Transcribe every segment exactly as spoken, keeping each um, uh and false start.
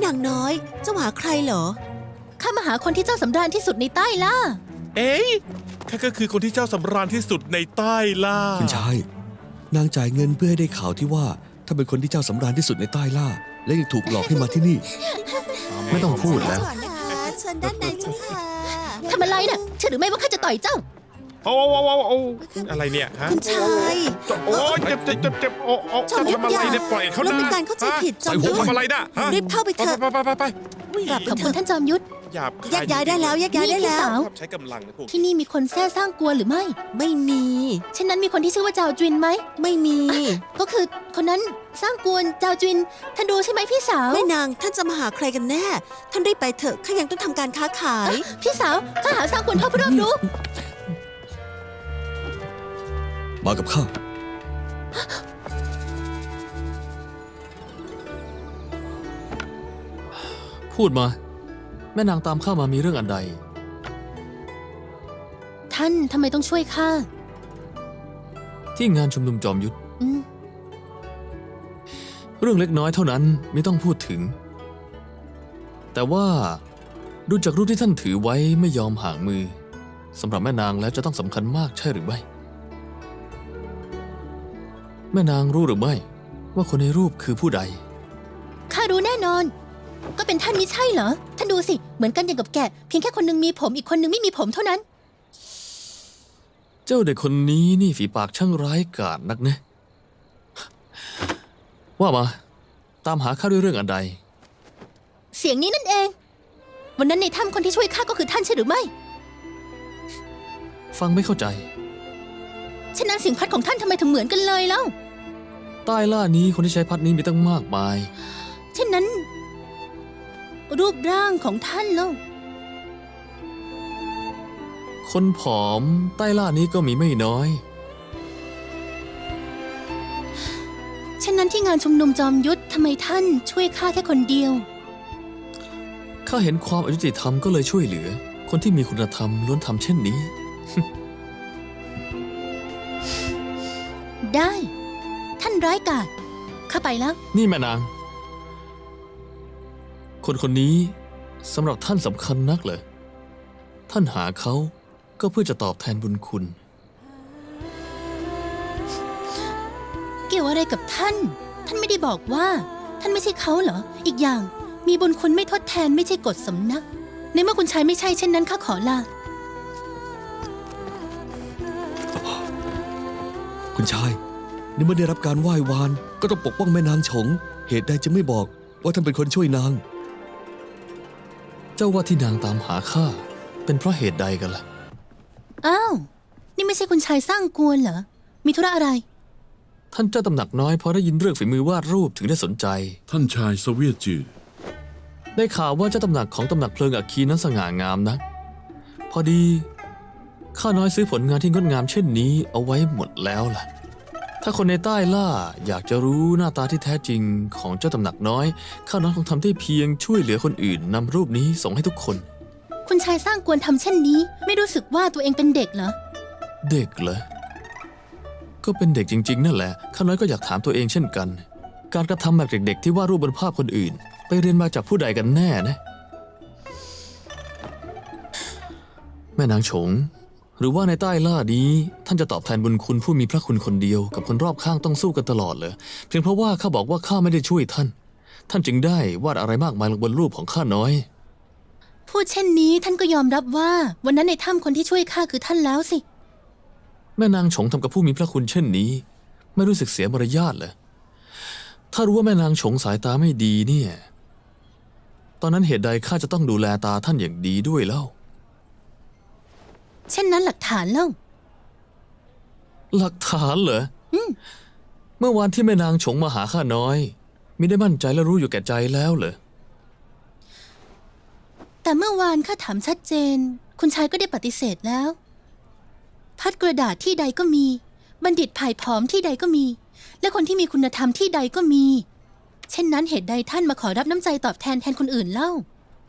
นางน้อยเจ้าหาใครเหรอข้ามาหาคนที่เจ้าสำราญที่สุดในใต้ล่าเอ๊ะข้าก็คือคนที่เจ้าสำราญที่สุดในใต้ล่าคุณชายนางจ่ายเงินเพื่อให้ได้ข่าวที่ว่าถ้าเป็นคนที่เจ้าสำราญที่สุดในใต้ล่าและยังถูกหลอกให้มาที่นี่ไม่ต้องพูดแล้วเชิญด้านในเจ้าค่ะทำอะไรน่ะเชื่อหรือไม่ว่าข้าจะต่อยเจ้าโอ้โอ้โอ้โอ้อะไรเนี่ยฮะคุณชายโอ้ยเจ็บเจ็บเจ็บเจ็บโอ้โอ้จะทำอะไรเนี่ยปล่อยเขานะเป็นการเข้าใจผิดจอมยุทธทำอะไรนะรีบเข้าไปเถอะไปไปไปไปกลับขอบคุณท่านจอมยุทธหยาบแยกย้ายได้แล้วแยกย้ายได้แล้วใช้กำลังนะพวกที่นี่มีคนแท้สร้างกลัวหรือไม่ไม่มีเช่นนั้นมีคนที่ชื่อว่าเจ้าจินไหมไม่มีก็คือคนนั้นสร้างกวนเจ้าจินท่านดูใช่ไหมพี่สาวแม่นางท่านจะมาหาใครกันแน่ท่านรีบไปเถอะข้ายังต้องทำการค้าขายพี่สาวข้าหาสร้างกวนเข้าไปรอบดูมากับข้าพูดมาแม่นางตามข้ามามีเรื่องอันใดท่านทำไมต้องช่วยข้าที่งานชุมนุมจอมยุทธอืมเรื่องเล็กน้อยเท่านั้นไม่ต้องพูดถึงแต่ว่าดูจากรูปที่ท่านถือไว้ไม่ยอมห่างมือสำหรับแม่นางแล้วจะต้องสำคัญมากใช่หรือไม่แม่นางรู้หรือไม่ว่าคนในรูปคือผู้ใดข้ารู้แน่นอนก็เป็นท่านมิใช่เหรอท่านดูสิเหมือนกันอย่างกับแกะเพียงแค่คนนึงมีผมอีกคนนึงไม่มีผมเท่านั้นเจ้าเด็กคนนี้นี่ฝีปากช่างร้ายกาจนักนะว่ามาตามหาข้าด้วยเรื่องอันใดเสียงนี้นั่นเองวันนั้นในถ้ำคนที่ช่วยข้าก็คือท่านใช่หรือไม่ฟังไม่เข้าใจฉะนั้นเสียงพัดของท่านทำไมถึงเหมือนกันเลยเล่าใต้ล่านี้คนที่ใช้พัดนี้มีตั้งมากมายเช่นนั้นรูปร่างของท่านเล่าคนผอมใต้ล่านี้ก็มีไม่น้อยเช่นนั้นที่งานชุมนุมจอมยุทธทำไมท่านช่วยข้าแค่คนเดียวข้าเห็นความอยุติธรรมก็เลยช่วยเหลือคนที่มีคุณธรรมล้วนทำเช่นนี้ได้ท่านร้ายกาจข้าไปแล้วนี่แม่นางคนคนนี้สำหรับท่านสำคัญนักเหรอท่านหาเขาก็เพื่อจะตอบแทนบุญคุณเกี่ยวอะไรกับท่านท่านไม่ได้บอกว่าท่านไม่ใช่เขาเหรออีกอย่างมีบุญคุณไม่ทดแทนไม่ใช่กฎสำนักในเมื่อคุณชายไม่ใช่เช่นนั้นข้าขอลาคุณชายในเมื่อได้รับการไหว้วานก็ต้องปกป้องแม่นางฉงเหตุใดจะไม่บอกว่าท่านเป็นคนช่วยนางเจ้าว่าที่นางตามหาข้าเป็นเพราะเหตุใดกันล่ะอ้าวนี่ไม่ใช่คุณชายสร้างกวนเหรอมีธุระอะไรท่านเจ้าตำหนักน้อยพอได้ยินเรื่องฝีมือวาดรูปถึงได้สนใจท่านชายเสวียจือได้ข่าวว่าเจ้าตำหนักของตำหนักเพลิงอัคคีนั้นสง่างามนะพอดีข้าน้อยซื้อผลงานที่งดงามเช่นนี้เอาไว้หมดแล้วล่ะถ้าคนในใต้ล่าอยากจะรู้หน้าตาที่แท้จริงของเจ้าตำหนักน้อยข้าน้อยคงทำได้เพียงช่วยเหลือคนอื่นนำรูปนี้ส่งให้ทุกคนคุณชายสร้างกวนทำเช่นนี้ไม่รู้สึกว่าตัวเองเป็นเด็กเหรอเด็กเหรอก็เป็นเด็กจริงๆนั่นแหละข้าน้อยก็อยากถามตัวเองเช่นกันการกระทำแบบเด็กๆที่วาดรูปบนภาพคนอื่นไปเรียนมาจากผู้ใดกันแน่นะแม่นางฉงหรือว่าในใต้ล่านี้ท่านจะตอบแทนบุญคุณผู้มีพระคุณคนเดียวกับคนรอบข้างต้องสู้กันตลอดเลยเพียงเพราะว่าข้าบอกว่าข้าไม่ได้ช่วยท่านท่านจึงได้วาดอะไรมากมายลงบนรูปของข้าน้อยพูดเช่นนี้ท่านก็ยอมรับว่าวันนั้นในถ้ำคนที่ช่วยข้าคือท่านแล้วสิแม่นางฉงทำกับผู้มีพระคุณเช่นนี้ไม่รู้สึกเสียมารยาทเหรอถ้ารู้ว่าแม่นางฉงสายตาไม่ดีเนี่ยตอนนั้นเหตุใดข้าจะต้องดูแลตาท่านอย่างดีด้วยเล่าเช่นนั้นหลักฐานเล่าหลักฐานเหรอเมื่อวานที่แม่นางฉงมาหาข้าน้อยมิได้มั่นใจและรู้อยู่แก่ใจแล้วเหรอแต่เมื่อวานข้าถามชัดเจนคุณชายก็ได้ปฏิเสธแล้วพัดกระดาษที่ใดก็มีบัณฑิตผ่ายผอมที่ใดก็มีและคนที่มีคุณธรรมที่ใดก็มีเช่นนั้นเหตุใดท่านมาขอรับน้ำใจตอบแทนแทนคนอื่นเล่า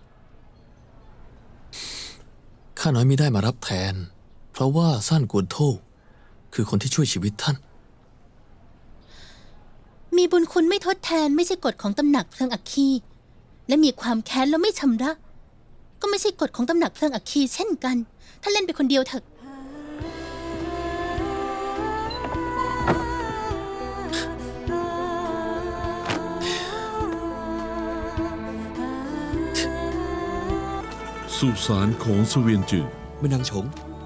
ข้าน้อยมิได้มารับแทนเพราะว่าซ่านกวนโธคือคนที่ช่วยชีวิตท่านมีบุญคุณไม่ทดแทนไม่ใช่กฎของตำหนักเพลิงอัคคีและมีความแค้นแล้วไม่ชำระ ก็ไม่ใช่กฎของตำหนักเพลิงอัคคีเช่นกันท่านเล่นไปคนเดียวเถอะสุสานของเสวียนจือแม่นางฉง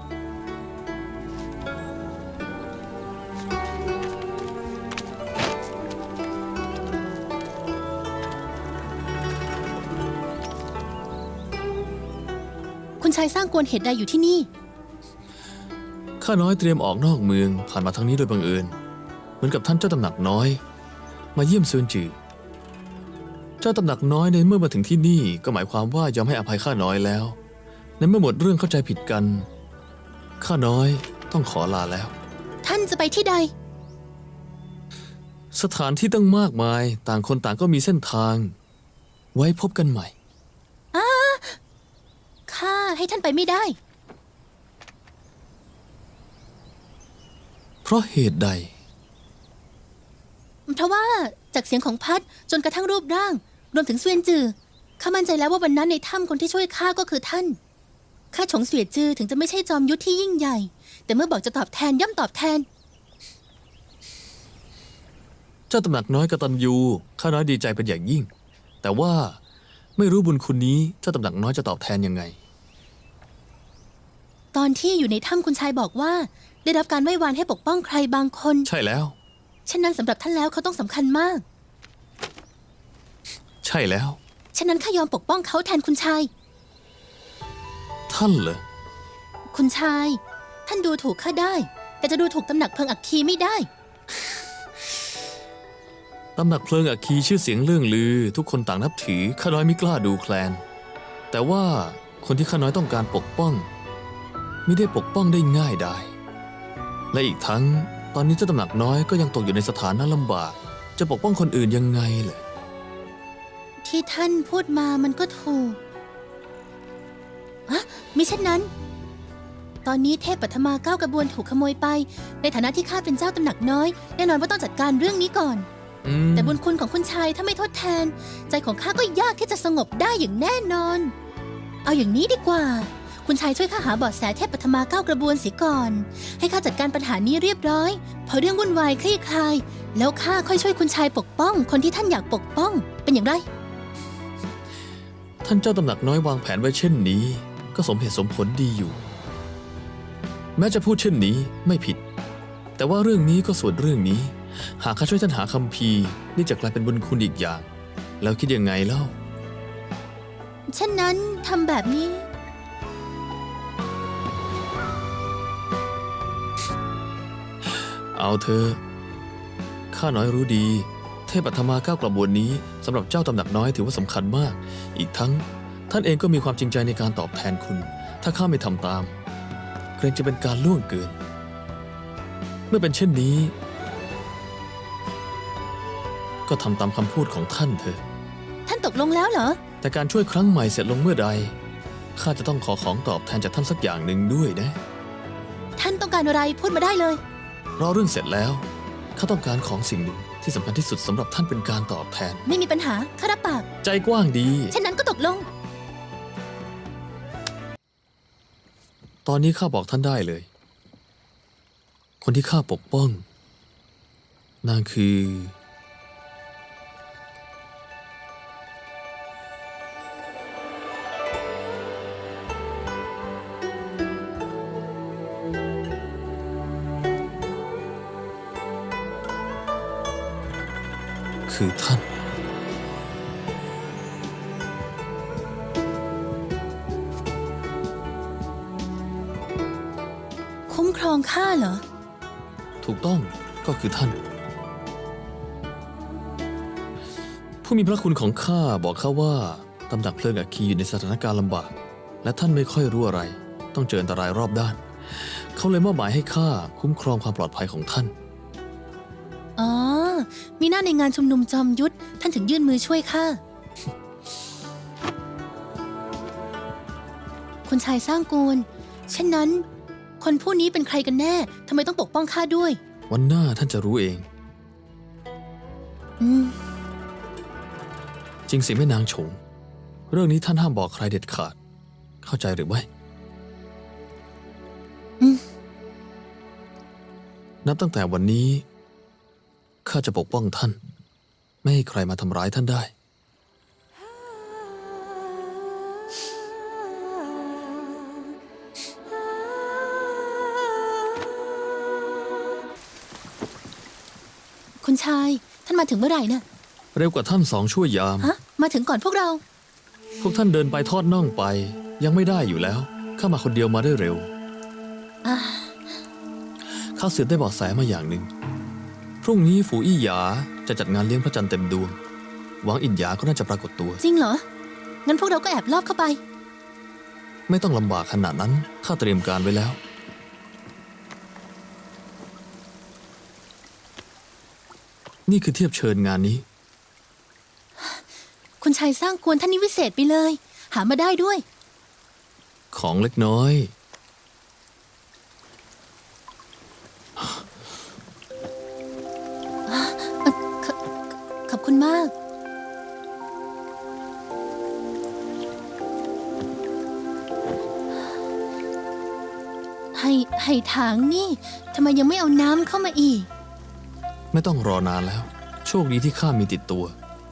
คุณชายสร้างกวนเหตุใดอยู่ที่นี่ข้าน้อยเตรียมออกนอกเมืองผ่านมาทางนี้โดยบังเอิญเหมือนกับท่านเจ้าตำหนักน้อย มาเยี่ยมเซินจือเจ้าตำหนักน้อยในเมื่อมาถึงที่นี่ก็หมายความว่ายอมให้อภัยข้าน้อยแล้วในเมื่อหมดเรื่องเข้าใจผิดกันข้าน้อยต้องขอลาแล้วท่านจะไปที่ใดสถานที่ตั้งมากมายต่างคนต่างก็มีเส้นทาง ไว้พบกันใหม่ข้าให้ท่านไปไม่ได้เพราะเหตุใดเพราะว่าจากเสียงของพัดจนกระทั่งรูปร่าง รวมถึงเสวียนจือข้ามั่นใจแล้วว่าวันนั้นในถ้ำคนที่ช่วยข้าก็คือท่านข้าฉงเสวียนจือถึงจะไม่ใช่จอมยุทธที่ยิ่งใหญ่ แต่เมื่อบอกจะตอบแทนย่อมตอบแทนเจ้าตำหนักน้อยกตัญญูข้าน้อยดีใจเป็นอย่างยิ่ง แต่ว่าไม่รู้บุญคุณนี้เจ้าตำหนักน้อยจะตอบแทนยังไงตอนที่อยู่ในถ้ำคุณชายบอกว่า ได้รับการไหว้วานให้ปกป้องใครบางคนใช่แล้วเช่นนั้นสำหรับท่านแล้วเขาต้องสำคัญมากใช่แล้วฉะนั้นข้ายอมปกป้องเขาแทนคุณชายท่านเหรอคุณชาย ท่านดูถูกข้าได้ แต่จะดูถูกตำหนักเพลิงอัคคีไม่ได้ตำหนักเพลิงอัคคีชื่อเสียงเรื่องลือ ทุกคนต่างนับถือข้าน้อยไม่กล้าดูแคลน แต่ว่าคนที่ข้าน้อยต้องการปกป้อง ไม่ได้ปกป้องได้ง่ายได้ และอีกทั้งตอนนี้เจ้าตำหนักน้อยก็ยังตกอยู่ในสถานะลำบาก จะปกป้องคนอื่นยังไงเหรอที่ท่านพูดมามันก็ถูกอะมิเช่นนั้น ตอนนี้เทพปัทมาเก้ากระบวนถูกขโมยไป ในฐานะที่ข้าเป็นเจ้าตำหนักน้อย แน่นอนว่าต้องจัดการเรื่องนี้ก่อนอืมแต่บุญคุณของคุณชายถ้าไม่ทดแทน ใจของข้าก็ยากที่จะสงบได้อย่างแน่นอน เอาอย่างนี้ดีกว่า คุณชายช่วยข้าหาเบาะแสเทพปัทมาเก้ากระบวนเสียก่อน ให้ข้าจัดการปัญหานี้เรียบร้อย พอเรื่องวุ่นวายคลี่คลาย แล้วข้าค่อยช่วยคุณชายปกป้อง คนที่ท่านอยากปกป้อง เป็นอย่างไรท่านเจ้าตำหนักน้อยวางแผนไว้เช่นนี้ ก็สมเหตุสมผลดีอยู่ แม้จะพูดเช่นนี้ไม่ผิด แต่ว่าเรื่องนี้ก็ส่วนเรื่องนี้ หากข้าช่วยท่านหาคัมภีร์นี่จะกลายเป็นบุญคุณอีกอย่าง แล้วคิดยังไงเล่าเช่นนั้นทำแบบนี้เอาเธอข้าน้อยรู้ดี เทพปัทมาเก้ากระบวนนี้สำหรับเจ้าตำหนักน้อยถือว่าสำคัญมาก อีกทั้งท่านเองก็มีความจริงใจในการตอบแทนคุณ ถ้าข้าไม่ทำตาม เกรงจะเป็นการล่วงเกิน เมื่อเป็นเช่นนี้ ก็ทำตามคำพูดของท่านเถอะท่านตกลงแล้วเหรอแต่การช่วยครั้งใหม่เสร็จลงเมื่อใดข้าจะต้องขอของตอบแทนจากท่านสักอย่างหนึ่งด้วยนะท่านต้องการอะไรพูดมาได้เลยรอเรื่องเสร็จแล้วข้าต้องการของสิ่งหนึ่งที่สำคัญที่สุดสำหรับท่านเป็นการตอบแทนไม่มีปัญหาข้ารับปากใจกว้างดีเช่นนั้นก็ตกลงตอนนี้ข้าบอกท่านได้เลย คนที่ข้าปกป้องนางคือ คือท่านคุ้มครองข้าเหรอถูกต้องก็คือท่าน ผู้มีพระคุณของข้าบอกข้าว่าตำหนักเพลิงอัคคีอยู่ในสถานการณ์ลำบาก และท่านไม่ค่อยรู้อะไร ต้องเจออันตรายรอบด้าน เขาเลยมอบหมายให้ข้าคุ้มครองความปลอดภัยของท่านอ๋อ มีหน้าในงานชุมนุมจอมยุทธท่านถึงยื่นมือช่วยข้า คุณชายสร้างกูล เช่นนั้น คนผู้นี้เป็นใครกันแน่ ทำไมต้องปกป้องข้าด้วยวันหน้าท่านจะรู้เองอืมจริงสิแม่นางฉงเรื่องนี้ท่านห้ามบอกใครเด็ดขาด เข้าใจหรือไม่อืมนับตั้งแต่วันนี้ข้าจะปกป้องท่าน ไม่ให้ใครมาทำร้ายท่านได้คุณชาย ท่านมาถึงเมื่อไหร่น่ะเร็วกว่าท่านสองชั่วยามฮะ มาถึงก่อนพวกเราพวกท่านเดินไปทอดน่องไป ยังไม่ได้อยู่แล้ว ข้ามาคนเดียวมาได้เร็วอ่าข้าสืบได้เบาะแสมาอย่างหนึ่ง พรุ่งนี้ฝูอี้หยาจะจัดงานเลี้ยงพระจันทร์เต็มดวง หวังอินหยาก็น่าจะปรากฏตัวจริงเหรอ งั้นพวกเราก็แอบลอบเข้าไปไม่ต้องลำบากขนาดนั้น ข้าเตรียมการไว้แล้ว นี่คือเทียบเชิญงานนี้คุณชายสร้างกวนท่านนี่วิเศษไปเลย หามาได้ด้วยของเล็กน้อยขอบคุณมาก ให้ให้ถางนี่ทำไมยังไม่เอาน้ำเข้ามาอีกไม่ต้องรอนานแล้ว โชคดีที่ข้ามีติดตัว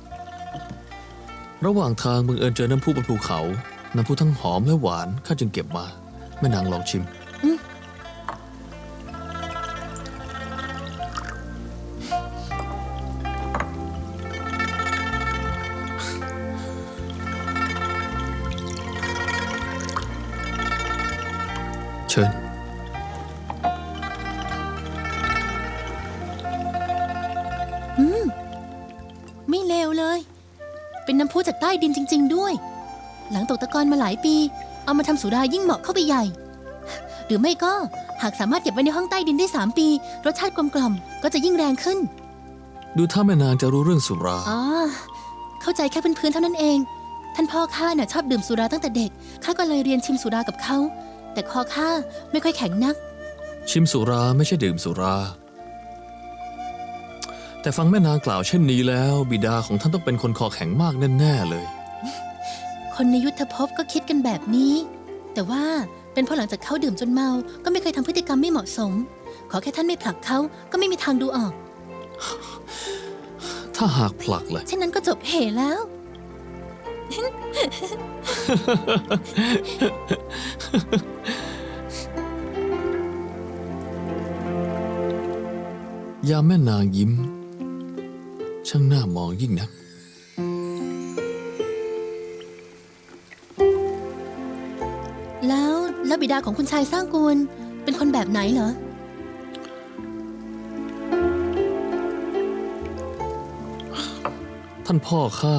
ระหว่างทางบังเอิญเจอน้ำพุบนภูเขา น้ำพุทั้งหอมและหวานข้าจึงเก็บมาแม่นางลองชิมอืมเชิญอืม ไม่เลวเลย เป็นน้ำพุจากใต้ดินจริง ๆ ด้วย หลังตกตะกอนมาหลายปี เอามาทำสุรายิ่งเหมาะเข้าไปใหญ่ หรือไม่ก็หากสามารถเก็บไว้ในห้องใต้ดินได้สามปี รสชาติกลมกล่อมก็จะยิ่งแรงขึ้นดูถ้าแม่นางจะรู้เรื่องสุราอ๋อ เข้าใจแค่พื้นๆเท่านั้นเอง ท่านพ่อข้าน่ะชอบดื่มสุราตั้งแต่เด็ก ข้าก็เลยเรียนชิมสุรากับเขา แต่คอข้าไม่ค่อยแข็งนักชิมสุราไม่ใช่ดื่มสุรา แต่ฟังแม่นางกล่าวเช่นนี้แล้ว บิดาของท่านต้องเป็นคนคอแข็งมากแน่ๆเลยคนในยุทธภพก็คิดกันแบบนี้ แต่ว่าเป็นเพราะหลังจากเขาดื่มจนเมา ก็ไม่เคยทำพฤติกรรมไม่เหมาะสม ขอแค่ท่านไม่ผลักเขาก็ไม่มีทางดูออกถ้าหากผลักล่ะเช่นนั้นก็จบเหแล้วยามแม่นางยิ้ม ช่างน่ามองยิ่งนักแล้วแล้วบิดาของคุณชายสร้างกูลเป็นคนแบบไหนเหรอท่านพ่อข้า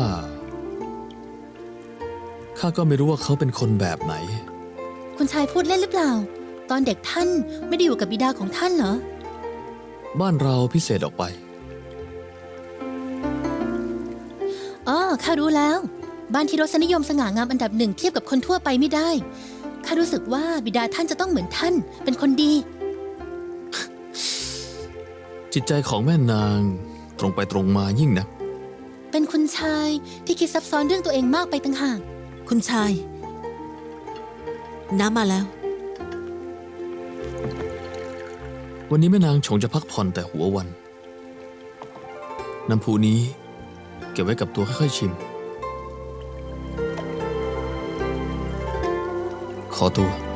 ข้าก็ไม่รู้ว่าเขาเป็นคนแบบไหนคุณชายพูดเล่นหรือเปล่า ตอนเด็กท่านไม่ได้อยู่กับบิดาของท่านเหรอบ้านเราพิเศษออกไปอ๋อ ข้ารู้แล้ว บ้านที่รสนิยมสง่างามอันดับหนึ่งเทียบกับคนทั่วไปไม่ได้ ข้ารู้สึกว่าบิดาท่านจะต้องเหมือนท่าน เป็นคนดีจิตใจของแม่นางตรงไปตรงมายิ่งนักเป็นคุณชายที่คิดซับซ้อนเรื่องตัวเองมากไปต่างหากคุณชาย น้ำมาแล้ววันนี้แม่นางชงจะพักผ่อนแต่หัววัน น้ำพุนี้เก็บไว้กับตัวค่อยๆชิม ขอตัว